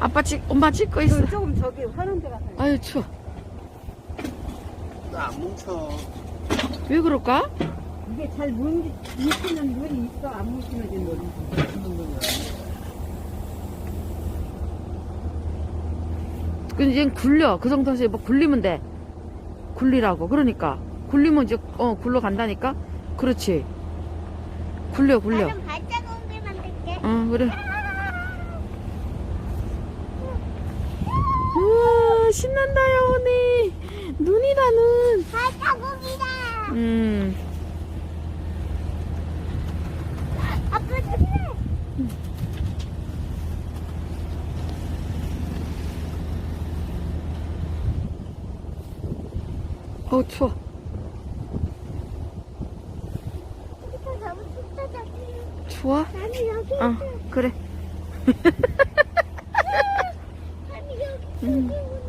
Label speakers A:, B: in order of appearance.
A: 엄마 찍고 있어.
B: 조금 저기 하는 데 가서.
A: 아유, 추워.
C: 나 안 뭉쳐.
A: 왜 그럴까?
B: 이게 잘 뭉치는 눈이 있어. 안 뭉치는 눈이.
A: 근데 이제 굴려. 그 정도에서 뭐 굴리면 돼. 굴리라고. 그러니까. 굴리면 이제, 굴러 간다니까? 그렇지. 굴려.
D: 나는 발자국을 만들게.
A: 그래. 우와, 신난다, 여운이. 눈이다, 눈.
D: 발자국이다. 아빠 조심해.
A: 추워.
D: 여기서 너무 춥다.
A: 추워?
D: 나는 여기
A: 그래.
D: 아니 여기